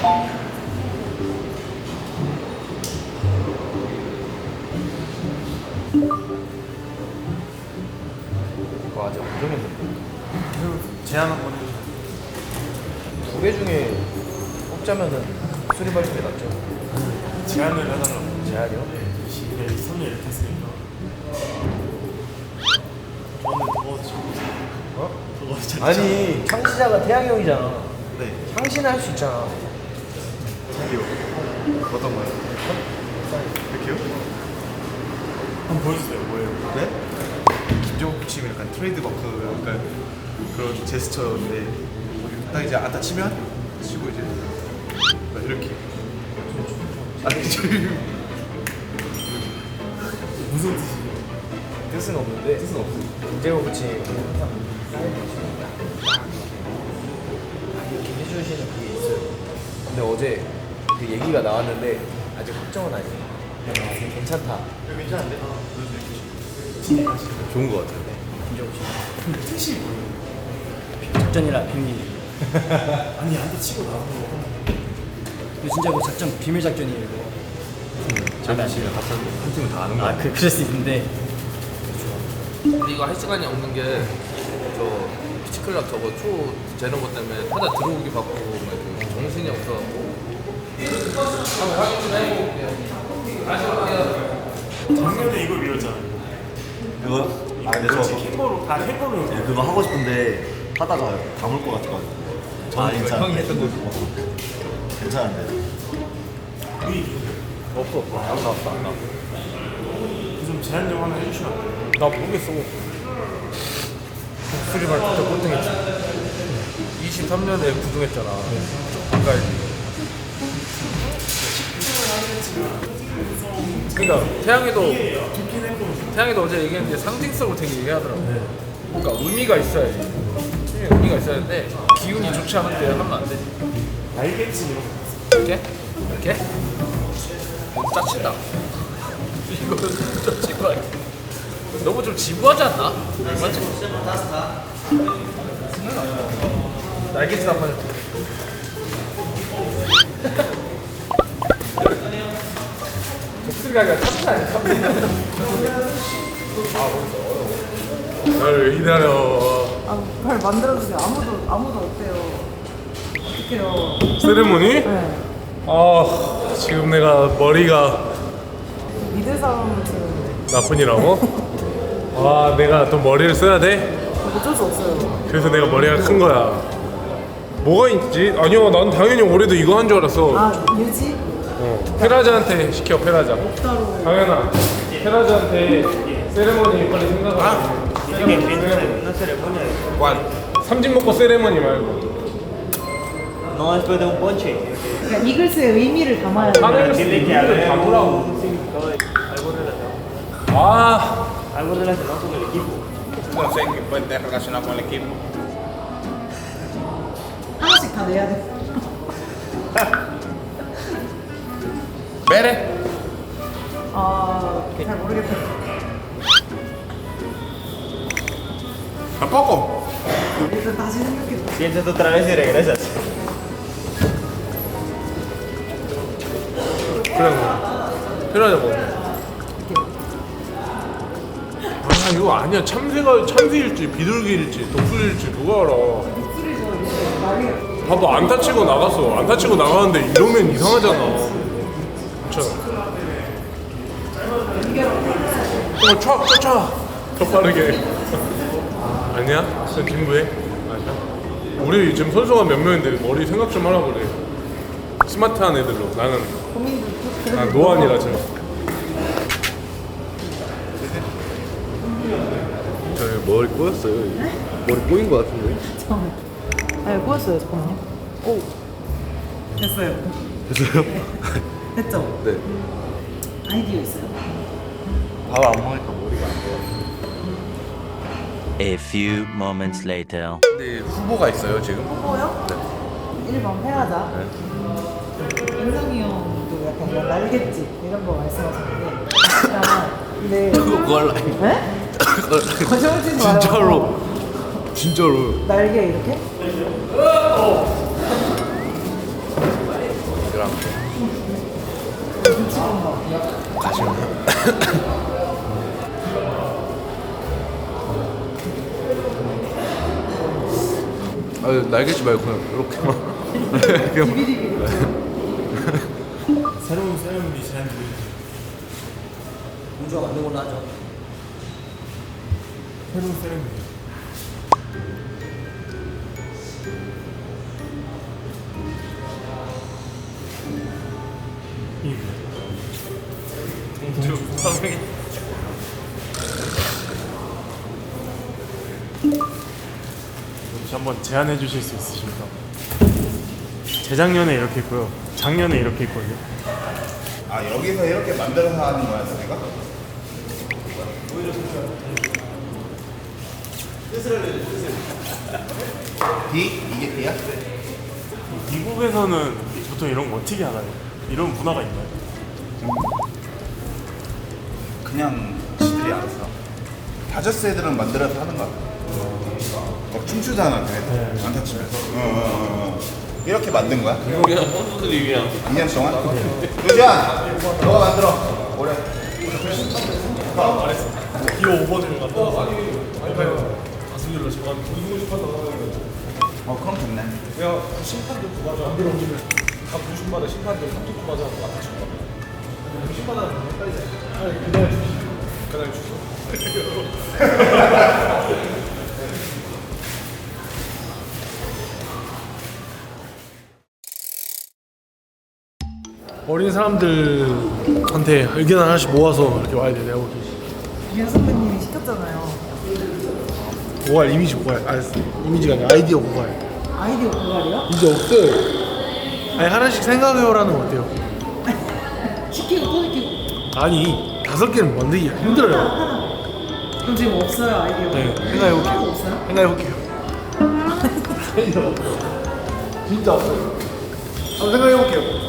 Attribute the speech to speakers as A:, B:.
A: 이거 아직 안 정했는데.
B: 제안 한번 해주세요.
A: 두 개 중에 뽑자면은 수리발 쪽이 낫죠.
B: 제안을 해달라고.
A: 제한이요?
B: 네, 3년 이렇게 했으니까. 저는 더 지금
A: 어?
B: 그거 진짜.
A: 아니 창시자가 태양이 형이잖아.
B: 네.
A: 창시는 할 수 있잖아.
C: 저기요. 어떤 거요? 이렇게요?
B: 한번 보여주세요. 뭐예요?
C: 네? 김정욱 치면 약간 트레이드마크 약간 그런 제스처인데 딱 이제 안타 치면 치고 이제 막 이렇게. 아니 지금
B: 무슨 뜻이에요?
A: 뜻은 없는데
C: 뜻은 없어요.
A: 김재호 코치 항상 사이드 이렇게 해주시는 그게 있어요. 근데 어제 그 얘기가 나왔는데 아직 확정은 아니에요. 괜찮다.
B: 괜찮은데?
C: 좋은 거 같아요.
A: 김재호 씨.
B: 뜻이 뭐예요?
D: 작전이라 비밀.
B: 아니 한테 치고 나서
D: 이거 진짜 그 작전 비밀 작전이에요 이거.
C: 저희 씨가 같이 한 팀은 다 아는 거 같아요.
D: 그럴 수 있는데.
E: 근데 이거 할 시간이 없는 게 저 피치클럽 저거 초 재는 것 때문에 타자 들어오기 바쁘고 막 이렇게 정신이 없어갖고 한번 확인 좀 해볼게요.
B: 작년에 이걸 미뤘잖아요.
F: 그거? 아 근데
B: 그렇지,
F: 저
B: 킹보로 다 해보는
F: 네, 그거 하고 싶은데 하다가 다물 것 같아가지고 저는 괜찮은데
C: 형이 했던 거
F: 괜찮은데
A: 없어. 안 나왔어. 안 나왔어.
B: 좀 제안 좀 하나 해주시면 안 돼요?
A: 나 모르겠어. 수리발 진짜 꼴등했지. 23년에 구등했잖아. 가까이. 그러니까 태양이도 어제 얘기했는데 상징성으로 되게 얘기하더라고. 그러니까 의미가 있어야지. 의미가 있어야 되는데 기운이 좋지 않은데 하면 안 되지.
B: 날개치 이런 거.
A: 이렇게? 이렇게? 짜친다. 이거는 좀 지루해. 너무 좀 지루하지 않나? 맞지? 날개짓 한번 해줘. 독수리가 아니라 참치 아니야? 참치. 날 기다려.
G: 아, 발 만들어주세요. 아무도 없대요. 어떡해요.
H: 세레모니?
G: 네.
H: 아 지금 내가 머리가
G: 미드 사운드
H: 나쁜이라고? 아 내가 또 머리를 써야 돼?
G: 어쩔 수 없어요.
H: 그래서 내가 머리가 큰 거야. 뭐가 있지? 아니요 난 당연히 올해도 이거 한 줄 알았어.
G: 아, 유지?
H: 페라자한테 시켜 페라자.
G: 따로.
H: 당연아 페라자한테 세레모니 빨리 생각하고. 삼진 먹고 세레모니 말고.
D: No después de un ponche.
G: 그러니까 이글스의 의미를 담아야 돼요.
H: 하늘을 이유를 담으라고. 아
D: Algo relacionado con el equipo.
E: No sé qué puede estar relacionado con el equipo.
G: 하나씩 다 내야 돼.
E: Bere.
G: 아, 잘 모르겠다.
E: Tampoco.
G: 일단 다시 생각해.
D: Piensas otra vez y regresas.
H: 그래 뭐 페라자 뭐. 아 이거 아니야 참새일지 비둘기일지 독수리일지 누가 알아. 봐봐 안 다치고 나갔어. 안 다치고 나가는데 이러면 이상하잖아. 괜찮아. 촥 더 빠르게. 아니야? 진짜 진부해? 아니야? 우리 지금 선수가 몇 명인데 머리 생각 좀 하라고 그래. 스마트한 애들로. 나는 아 노안이라 지금.
C: 머리 꼬였어요. 머리 꼬인 거 같은데.
G: 잠깐만. 아, 꼬였어요. 잠깐만요. 오. 됐어요.
C: 됐어요?
G: 됐죠?
C: 네.
G: 아이디어 있어요.
F: 밥 안 먹으니까 머리가 안 돼요.
I: A few moments later.
C: 근데 후보가 있어요 지금?
G: 후보요? 네. 1번 페라자. 인성이 형도 약간 이런 날갯짓 이런 거 말씀하셨는데 약간 근데
C: 그걸
G: 네? 거짓말치지 마요.
C: 진짜로
G: 날개 이렇게?
E: 그랑 날개지 말고 그냥 이렇게만.
B: 새로운 세레모니 제안 드리죠.
D: 공주가 만든 걸로 하죠.
B: 새로운 세레모니. 이게
A: 동주 선생님.
B: 혹시 한번 제안해 주실 수 있으십니까? 재작년에 이렇게 했고요. 작년에 이렇게 했거든요.
C: 아 여기서 이렇게 만들어서 하는 거야 내가? D? 이게 D야?
B: 미국에서는 보통 이런 거 어떻게 하나요? 이런 문화가 있나요?
C: 그냥 지들이 알아서 다저스 애들은 만들어서 하는 거야. 막 춤추잖아 걔네들 안 다치면서. 이렇게 만든 거야?
E: 그냥 선수들이 그냥
C: 2년 동안? 유지한! 너가 만들어 올해.
B: 기호 5번을 갖다 가수들로 제가 이기고 싶었던
C: 그럼 좋네.
B: 그냥 심판도 구하자. 안 들어오면 각 부심마다 심판들 3주 구하자. 아까 준 거. 심판하는 거 헷갈리잖아. 그날 주시. 그날 주소.
J: 어린 사람들한테 의견 하나씩 모아서 이렇게 와야 돼. 내가 보기.
G: 유현 선배님이 시켰잖아요.
J: 고갈 이미지 고갈. 이미지가 아니라 아이디어 고갈.
G: 아이디어 고갈이요?
J: 이제 없어요. 아니 하나씩 생각해요라는 거 어때요?
G: 시키고 또 시키고.
J: 아니 5개는 만들기 힘들어요.
G: 그럼 지금 없어요 아이디어.
J: 네,
G: 하나도
J: 생각해볼게요.
G: 없어요?
J: 생각해볼게요. 진짜 없어요. 한번 생각해볼게요.